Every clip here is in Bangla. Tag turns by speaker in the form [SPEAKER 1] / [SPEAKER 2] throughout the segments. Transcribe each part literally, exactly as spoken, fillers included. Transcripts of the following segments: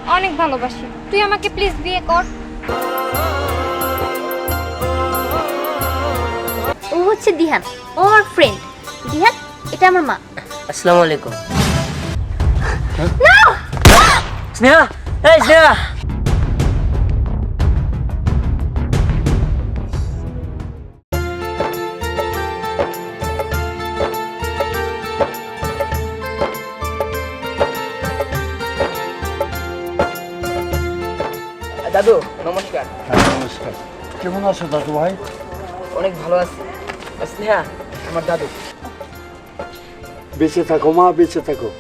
[SPEAKER 1] অনেক ভালোবাসি, তুই আমাকে প্লিজ বিয়ে কর।
[SPEAKER 2] ও হচ্ছে দিহান, ও আমার ফ্রেন্ড। দিহান, এটা আমার মা।
[SPEAKER 3] আসসালামু আলাইকুম। স্নেহা, এই স্নেহা। দাদু নমস্কার।
[SPEAKER 4] হ্যাঁ নমস্কার। কেমন আছো দাদু ভাই?
[SPEAKER 3] অনেক ভালো আছি। স্নেহা আমার দাদু।
[SPEAKER 4] বেঁচে থাকো মা, বেঁচে থাকো।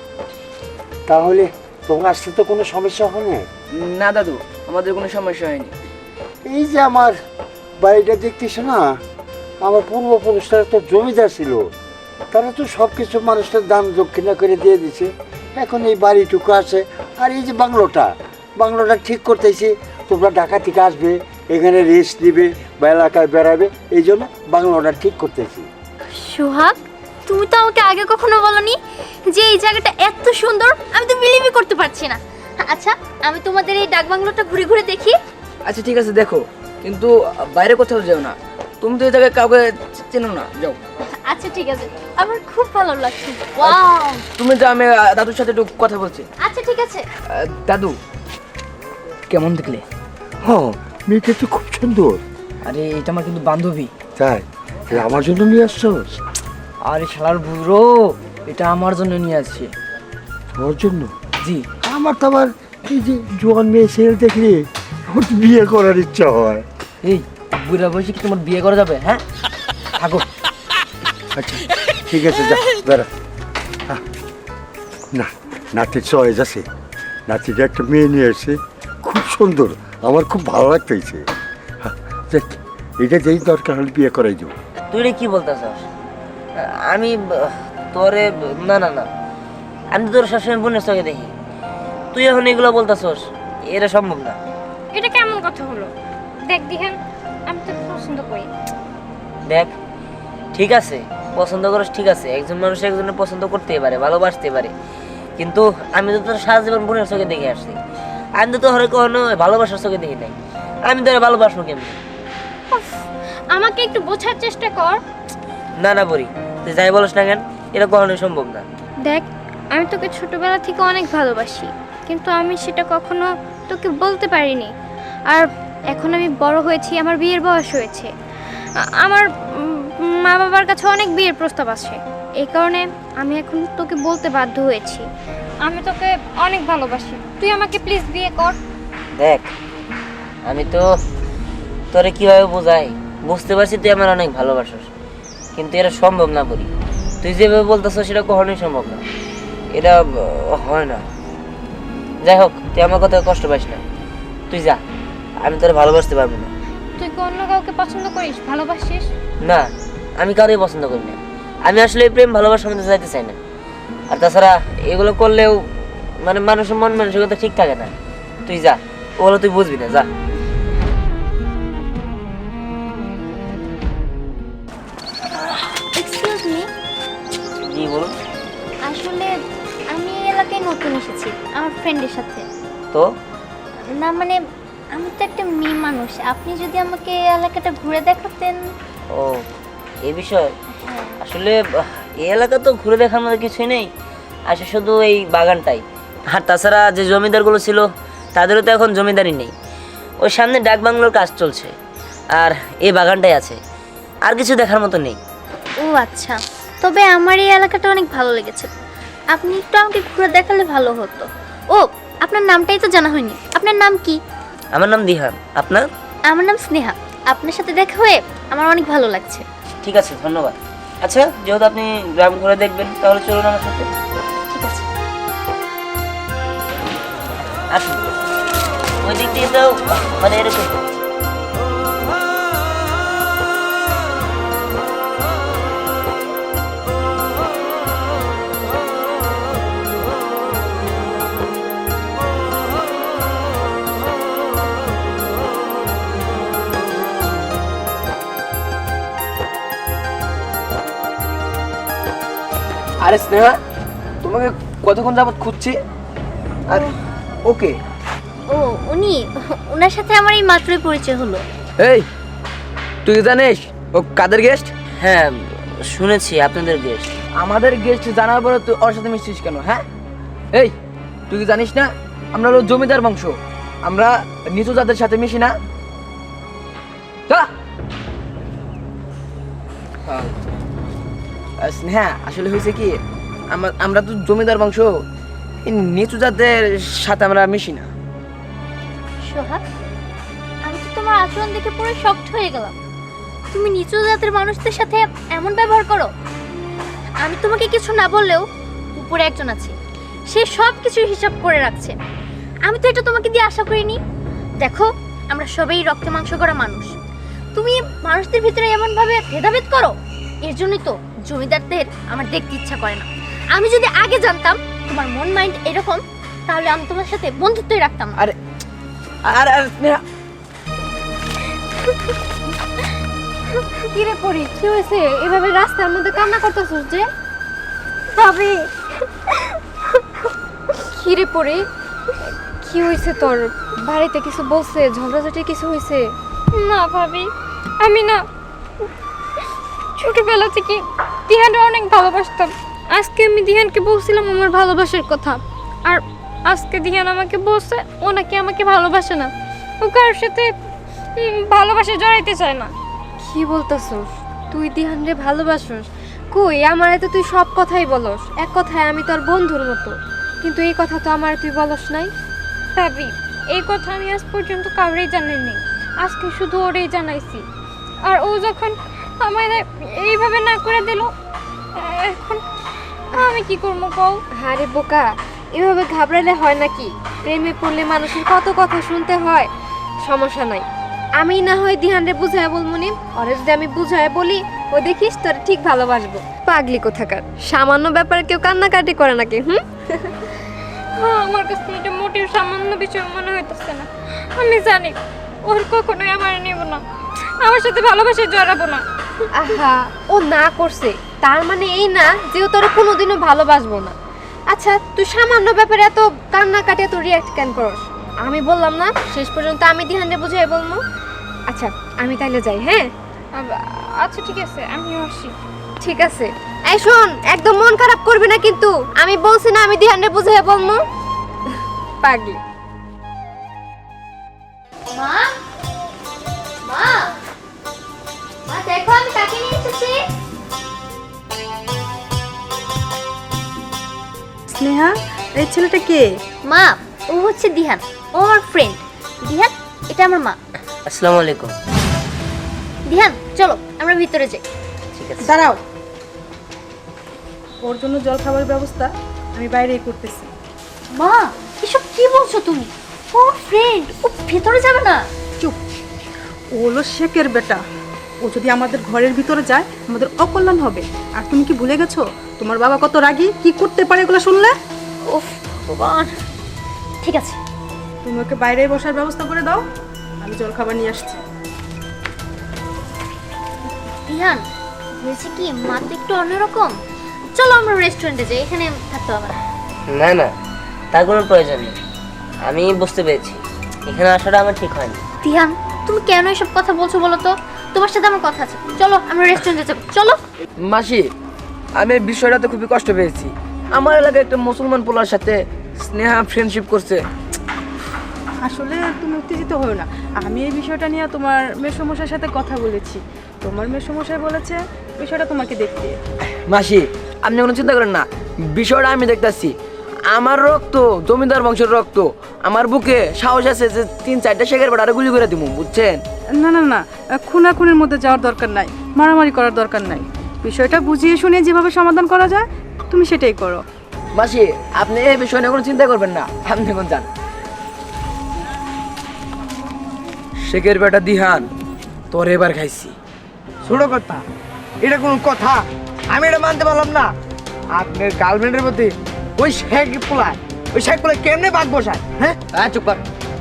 [SPEAKER 4] তাহলে তোমার আসতে তো কোনো সমস্যা হয় না?
[SPEAKER 3] না দাদু, আমাদের কোনো সমস্যা হয়নি।
[SPEAKER 4] এই যে আমার বাড়িটা দেখতেছো না, আমার পূর্বপুরুষরা তো জমিদার ছিল, তারা তো সব কিছু মানুষের দান দক্ষিণা করে দিয়ে দিছে। এখন এই বাড়িটুকু আছে, আর এই যে বাংলোটা বাংলোটা ঠিক করতেছি। তোমরা ঢাকা থেকে আসবে, এখানে রেস্ট নিবে বা এলাকায় বেড়াবে, এই জন্য বাংলোটা ঠিক করতেছি।
[SPEAKER 2] সোহাগ, তুমি তো আমাকে আগে কখনো বলনি যে এই জায়গাটা এত সুন্দর। আমি তো বিলিভই করতে পারছি না। আচ্ছা, আমি তোমাদের এই ডাকবাংলোটা ঘুরে ঘুরে দেখি।
[SPEAKER 3] আচ্ছা ঠিক আছে, দেখো, কিন্তু বাইরে কোথাও যাও না। তুমি তো এই জায়গায় কাউকে চেনো না, যাও।
[SPEAKER 2] আচ্ছা ঠিক আছে, আমার খুব ভালো লাগছে। ওয়াও,
[SPEAKER 3] তুমি যাও, আমি আহ, দাদুর সাথে একটু কথা বলছি।
[SPEAKER 2] আচ্ছা ঠিক আছে।
[SPEAKER 3] আহ, দাদু কেমন দেখলে?
[SPEAKER 4] হ্যাঁ, মেয়েটা তো খুব সুন্দর।
[SPEAKER 3] আরে এটা আমার কিন্তু বান্ধবী।
[SPEAKER 4] তাই তাহলে আমার জন্য নিয়ে আসছোস?
[SPEAKER 3] আরে শালার বুড়ো, এটা আমার জন্য নিয়ে আসছে।
[SPEAKER 4] ওর জন্য?
[SPEAKER 3] জি।
[SPEAKER 4] আমার তো আবার এই যে জোয়ান মেয়ে ছেলে দেখলে আমার তো বিয়ে করার ইচ্ছা হয়।
[SPEAKER 3] এই বুড়া বয়সে কি তোমার বিয়ে করা যাবে? হ্যাঁ, থাকো।
[SPEAKER 4] আচ্ছা ঠিক আছে, যা বেড়া। আহ, না, নাতির চয়েস আছে। নাতিটা একটা মেয়ে নিয়ে এসে খুব সুন্দর, আমার খুব ভালো লাগতেছে। হ্যাঁ, দেখ, এটা যেই দরকার হলে বিয়ে করাই যাবো।
[SPEAKER 3] তুই রে কি বলতেছস? আমি ব- তোরে ব- না না না, আমি তো তোর সবসময় বোনের চোখে দেখি। তুই এখন এগুলো বলতেছস, এটা সম্ভব না।
[SPEAKER 1] এটা কেমন কথা হলো? দেখ দিহান, আমি তোকে পছন্দ করি।
[SPEAKER 3] দেখ, ঠিক আছে, পছন্দ করিস, ঠিক আছে, একজন মানুষ একজনের পছন্দ করতেই পারে, ভালোবাসতে পারে, কিন্তু আমি তো তোর সারা জীবন বোনের চোখে দেখে আসছি। আমি তো তোর কখনো ভালোবাসার চোখে দেখি নাই। আমি তোর ভালোবাসবো কেমনি?
[SPEAKER 1] উফ, আমাকে একটু বোঝার চেষ্টা কর।
[SPEAKER 3] না না বলি, তুই যাই বলিস না কেন, এটা কখনোই সম্ভব না।
[SPEAKER 1] দেখ, আমি তোকে ছোটবেলা থেকে অনেক ভালোবাসি, কিন্তু আমি সেটা কখনো তোকে বলতে পারিনি। আর এখন আমি বড় হয়েছি, আমার বিয়ের বয়স হয়েছে, আ- আমার উম, মা বাবার কাছে অনেক বিয়ের প্রস্তাব আছে। এই কারণে আমি এখন তোকে বলতে বাধ্য হয়েছি, আমি তোকে অনেক ভালোবাসি, তুই আমাকে প্লিজ বিয়ে কর।
[SPEAKER 3] দেখ, আমি তো তোরে কিভাবে বোঝাই, বুঝতে পারছি তুই আমার অনেক ভালোবাসিস, কিন্তু এটা সম্ভব না বলি। তুই যেভাবে বলতেছ সেটা কখনোই সম্ভব না, এটা আহ, হয় না। যাই হোক, তুই আমার কথা কষ্ট পাইস না, তুই যা, আমি তোরে ভালোবাসতে পারবো না।
[SPEAKER 1] তুই কি অন্য কাউকে পছন্দ করিস, ভালোবাসিস?
[SPEAKER 3] না, আমি কাউকেই পছন্দ করি না। আমি আসলে এই প্রেম ভালোবাসার মধ্যে যাইতে চাই না। আর তাছাড়া এগুলো করলেও মানে মানুষের মন মানসিকতা ঠিক থাকে না। তুই যা, ওগুলো তুই বুঝবি না, যা।
[SPEAKER 2] এক্সকিউজ মি,
[SPEAKER 3] জি বলুন।
[SPEAKER 2] আসলে আমি এই এলাকায় নতুন এসেছি আমার ফ্রেন্ডের সাথে।
[SPEAKER 3] তো
[SPEAKER 2] না মানে, আমি তো একটা মেয়ে মানুষ, আপনি যদি আমাকে এই এলাকাটা ঘুরে দেখাতেন।
[SPEAKER 3] ও, এই বিষয়
[SPEAKER 2] হ্যাঁ।
[SPEAKER 3] আসলে আহ, এই এলাকা তো ঘুরে দেখার মতো কিছুই নেই, আসলে শুধু এই বাগানটাই। আর তাছাড়া যে জমিদারগুলো ছিল তাদেরও তো এখন জমিদারি নেই। ওই সামনে ডাক বাংলোর কাজ চলছে, আর এই বাগানটাই আছে, আর কিছু দেখার মতো নেই।
[SPEAKER 2] ও আচ্ছা, তবে আমার এই এলাকাটা অনেক ভালো লেগেছে, আপনি একটু আমাকে ঘুরে দেখালে ভালো হতো। ও, আপনার নামটাই তো জানা হয়নি, আপনার নাম কি?
[SPEAKER 3] আমার নাম দিহান, আপনার?
[SPEAKER 2] আমার নাম স্নেহা। আপনার সাথে দেখা হয়ে আমার অনেক ভালো লাগছে।
[SPEAKER 3] ঠিক আছে, ধন্যবাদ। আচ্ছা, যেহেতু আপনি গ্রাম ঘুরে দেখবেন, তাহলে চলুন আমার সাথে।
[SPEAKER 2] ঠিক আছে।
[SPEAKER 3] আসুন, ওই দিক দিয়ে তো মানে এরকম। আরে স্নেহা, তোমাকে কতক্ষণ যাবত খুঁজছি। আর ওকে,
[SPEAKER 2] ও উনি, ওনার সাথে আমার এই মাত্রই পরিচয় হলো।
[SPEAKER 5] এই তুই কি জানিস ও কাদের গেস্ট?
[SPEAKER 3] হ্যাঁ শুনেছি আপনাদের গেস্ট।
[SPEAKER 5] আমাদের গেস্ট জানার পরে তুই ওর সাথে মিশছিস কেন? হ্যাঁ এই তুই কি জানিস না আমরা হলো জমিদার বংশ, আমরা নিচু জাতের সাথে মিশি না। চল। আহ, স্নেহা আসলে হয়েছে কি আমরা আমরা তো জমিদার বংশ, এই নিচু জাতের সাথে আমরা মিশি না।
[SPEAKER 2] সোহাগ, আমি তো তোমার আচরণ দেখে পুরো শকড হয়ে গেলাম। তুমি নিচু জাতের মানুষদের সাথে এমন ব্যবহার করো? আমি তোমাকে কিছু না বললেও উপরে একজন আছে, সে সব কিছুর হিসাব করে রাখছে। আমি তো এটা তোমাকে দিয়ে আশা করিনি। দেখো, আমরা সবাই রক্তে মাংস করা মানুষ, তুমি মানুষদের ভিতরে এমন ভাবে ভেদাভেদ করো, এর জন্যই তো জমিদারদের আমার দেখতে ইচ্ছা করে না। আমি যদি আগে জানতাম তোমার মন মাইন্ড এরকম, তাহলে আমি তোমার সাথে বন্ধুত্বই রাখতাম না।
[SPEAKER 5] আরে আরে আরে স্নেহা,
[SPEAKER 1] কি রে পরি, কি হয়েছে? এভাবে রাস্তার মধ্যে কান্না করতেছিস যে? ভাবি, কি রে পরি, কি হয়েছে তোর? বাড়িতে কিছু বলছে? ঝগড়াঝাটি কিছু হয়েছে? না ভাবি, আমি না ছোটবেলা থেকে দিহানকে অনেক ভালোবাসতাম। আজকে আমি দিহানকে বলছিলাম আমার ভালোবাসার কথা, আর আজকে দিহান আমাকে বলছে ও নাকি আমাকে ভালোবাসে না, ও কারোর সাথে উম, ভালোবাসা জড়াইতে চায় না। কি বলতেছস? তুই দিহানরে ভালোবাসস? কই, আমারে তো তুই সব কথাই বলস। এক কথায় আমি তোর বন্ধুর মতো, কিন্তু এই কথা তো আমার তুই বলস নাই। ভাবি, এই কথা আমি আজ পর্যন্ত কাউরেই জানাইনি, আজকে শুধু ওরেই জানাইছি। আর ও যখন আমায় এইভাবে না করে দিল, এখন আমি কি করবো কও? আরে বোকা, এভাবে ঘাবড়ালে হয় নাকি? প্রেমে পড়লে মানুষের কত কথা শুনতে হয়। সমস্যা নাই, আমি না হয় দিহানরে বুঝায় বলবো নি। ওরে যদি আমি বুঝায় বলি, ও দেখিস তোর ঠিক ভালোবাসবো। পাগলি কোথাকার, সামান্য ব্যাপারে কেউ কান্নাকাটি করে নাকি? হুম, আমার কাছে এটা মোটেও সামান্য বিষয় মনে হইতেছে না। আমি জানি ওর কখনোই আমার নেব না, আমার সাথে ভালোবাসে জড়াবো না। আহা, ও না করছে তার মানে এই না যে ও তোর কোনোদিনও ভালোবাসবো না। আচ্ছা, তুই সামান্য ব্যাপারে এত কান্নাকাটি এত রিয়াক্ট কেন করস? আমি বললাম না শেষ পর্যন্ত আমি দিহানরে বুঝাই বলবো। আচ্ছা আমি তাইলে যাই। হ্যাঁ আচ্ছা ঠিক আছে, আমিও আসি। ঠিক আছে, এই শোন, একদম মন খারাপ করবি না কিন্তু, আমি বলছি না আমি দিহানরে বুঝাই বলবো। পাগলি।
[SPEAKER 2] মা, মা, মা দেখো আমি কাকে নিয়ে এসেছি।
[SPEAKER 6] স্নেহা, এই ছেলেটা কে?
[SPEAKER 2] মা, ও হচ্ছে দিহান, ও আমার ফ্রেন্ড। দিহান, এটা আমার মা।
[SPEAKER 3] আসসালামু আলাইকুম।
[SPEAKER 2] দিহান, চলো আমরা ভিতরে যাই।
[SPEAKER 3] ঠিক আছে।
[SPEAKER 6] দাঁড়াও, ওর জন্য জল খাবারের ব্যবস্থা আমি বাইরেই করতেছি।
[SPEAKER 2] মা, এসব কি বলছো তুমি? ও আমার ফ্রেন্ড, ও ভিতরে যাবে না।
[SPEAKER 6] চুপ, ও হলো শেখের বেটা, ও যদি আমাদের ঘরের ভিতরে যায় আমাদের অকল্যাণ হবে। আর তুমি কি ভুলে গেছো তোমার বাবা কত রাগী, কি করতে পারে এগুলো শুনলে?
[SPEAKER 2] উফ ভগবান। ঠিক আছে,
[SPEAKER 6] তুমি ওকে বাইরে বসার ব্যবস্থা করে দাও, আমি জল খাবার নিয়ে আসছি।
[SPEAKER 2] দিহান, হয়েছে কি, মা তো একটু অন্যরকম। চলো আমরা রেস্টুরেন্টে যাই, এখানে থাকতে হবে না।
[SPEAKER 3] না না, তার কোনো প্রয়োজন নেই। আমি বুঝতে পেরেছি এখানে আসাটা আমার ঠিক হয়নি।
[SPEAKER 2] দিহান, তুমি কেন এসব কথা বলছো বলো তো? তোমার সাথে আমার কথা আছে, চলো আমরা রেস্টুরেন্টে যাবো, চলো।
[SPEAKER 5] মাসি, আমি এই বিষয়টাতে খুবই কষ্ট পেয়েছি। আমার এলাকায় একটা মুসলমান পোলার সাথে স্নেহা ফ্রেন্ডশিপ করছে।
[SPEAKER 6] আসলে তুমি উত্তেজিত হও না, আমি এই বিষয়টা নিয়ে তোমার মেসমশাইয়ের সাথে কথা বলেছি। তোমার মেসমশাই বলেছে বিষয়টা তোমাকে দেখতে।
[SPEAKER 5] মাসি, আপনি কোনো চিন্তা করেন না, বিষয়টা আমি দেখতেছি। আমার রক্ত জমিদার বংশের রক্ত, আমার বুকে সাহস আছে যে তিন চারটা শেখের বেড়া গুলি করে দিব, বুঝছেন?
[SPEAKER 6] না না না, খুনাখুনির মধ্যে যাওয়ার দরকার নাই, মারামারি করার দরকার নাই। বিষয়টা বুঝিয়ে শুনে যেভাবে সমাধান করা যায় তুমি সেটাই করো।
[SPEAKER 5] মাসি, আপনি এই বিষয় নিয়ে কোনো চিন্তা করবেন না, আপনি এখন যান। শেখের বেটা দিহান, তোর এবার খাইছি।
[SPEAKER 7] ছোট কথা, এটা কোন কথা? আমি এটা মানতে পারলাম না। আপনার গার্লফ্রেন্ডের প্রতি ওই শেখ পোলায়, ওই শেখ পোলায় কেমনে বাঘ বসায়? হ্যাঁ,
[SPEAKER 5] হ্যাঁ চুপ কর।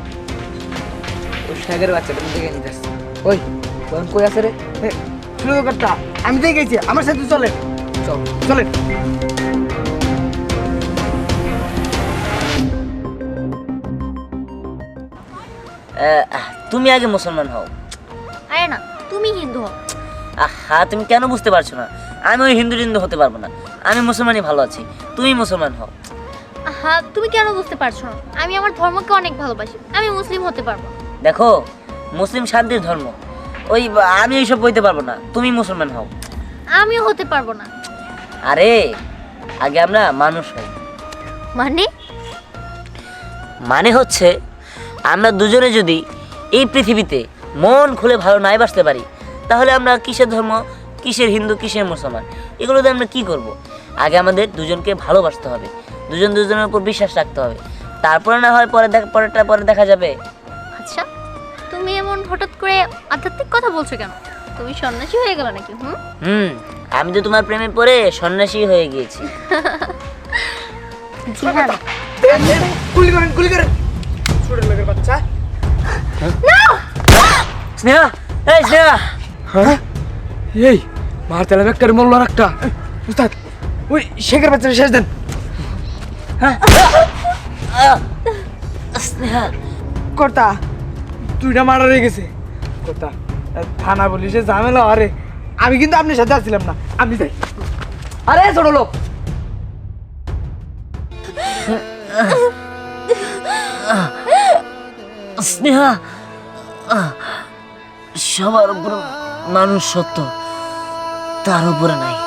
[SPEAKER 5] ওই শেখের বাচ্চাটা দেখে নিতে আসছি। ওই কোন কই আছে রে?
[SPEAKER 7] ছোট কথা, আমি দেখেছি, আমার সাথে চলেন,
[SPEAKER 5] চল
[SPEAKER 7] চলেন।
[SPEAKER 3] আহ, তুমি আগে মুসলমান হও।
[SPEAKER 2] আরে না, তুমি হিন্দু হও।
[SPEAKER 3] আহা, তুমি কেন বুঝতে পারছো না? আমি ওই হিন্দু হিন্দু হতে পারবো না, আমি মুসলমানই ভালো আছি, তুমি মুসলমান হও।
[SPEAKER 2] হ্যাঁ, তুমি কেন বুঝতে পারছো না? আমি আমার ধর্মকে অনেক ভালোবাসি, আমি মুসলিম হতে পারবো।
[SPEAKER 3] দেখো, মুসলিম শান্তির ধর্ম, ওই আমি এইসব বইতে পারবো না, তুমি মুসলমান হও।
[SPEAKER 2] আমিও হতে পারবো না।
[SPEAKER 3] আরে আগে আমরা মানুষ হই।
[SPEAKER 2] মানে?
[SPEAKER 3] মানে হচ্ছে আমরা দুজনে যদি এই পৃথিবীতে মন খুলে ভালো নাই বাসতে পারি, তাহলে আমরা কিসের ধর্ম, কিসের হিন্দু, কিসের মুসলমান, এগুলোতে আমরা কি করব? আগে আমাদের দুজনকে ভালোবাসতে হবে, দুজন দুজনের উপর বিশ্বাস রাখতে হবে, তারপরে না হয় পরে দেখা পরেরটা পরে দেখা যাবে।
[SPEAKER 2] আচ্ছা, তুমি এমন হঠাৎ করে আধ্যাত্মিক কথা বলছো কেন? তুমি সন্ন্যাসী হয়ে গেল নাকি? হুম
[SPEAKER 3] হুম আমি তো তোমার প্রেমে পড়ে সন্ন্যাসী হয়ে গিয়েছি।
[SPEAKER 2] জিহান,
[SPEAKER 7] গুলি করেন, গুলি করেন, ছোট লোকের বাচ্চা।
[SPEAKER 3] স্নেহা, এই স্নেহা,
[SPEAKER 7] হ্যাঁ, এই মারতে লাগবে একটা, মরল আর একটা। উস্তাদ, ওই শেখের বাচ্চাটা শেষ দেন।
[SPEAKER 3] আহ, স্নেহা,
[SPEAKER 7] কর্তা তুইটা মারা রয়ে গেছে। কর্তা, থানা পুলিশে ঝামেলা, আরে আমি কিন্তু আপনার সাথে আসছিলাম না, আমি যাই। আরে ছোট লোক,
[SPEAKER 3] স্নেহা, আহ, সবার উপর মানুষ সত্য, তার উপরে নাই।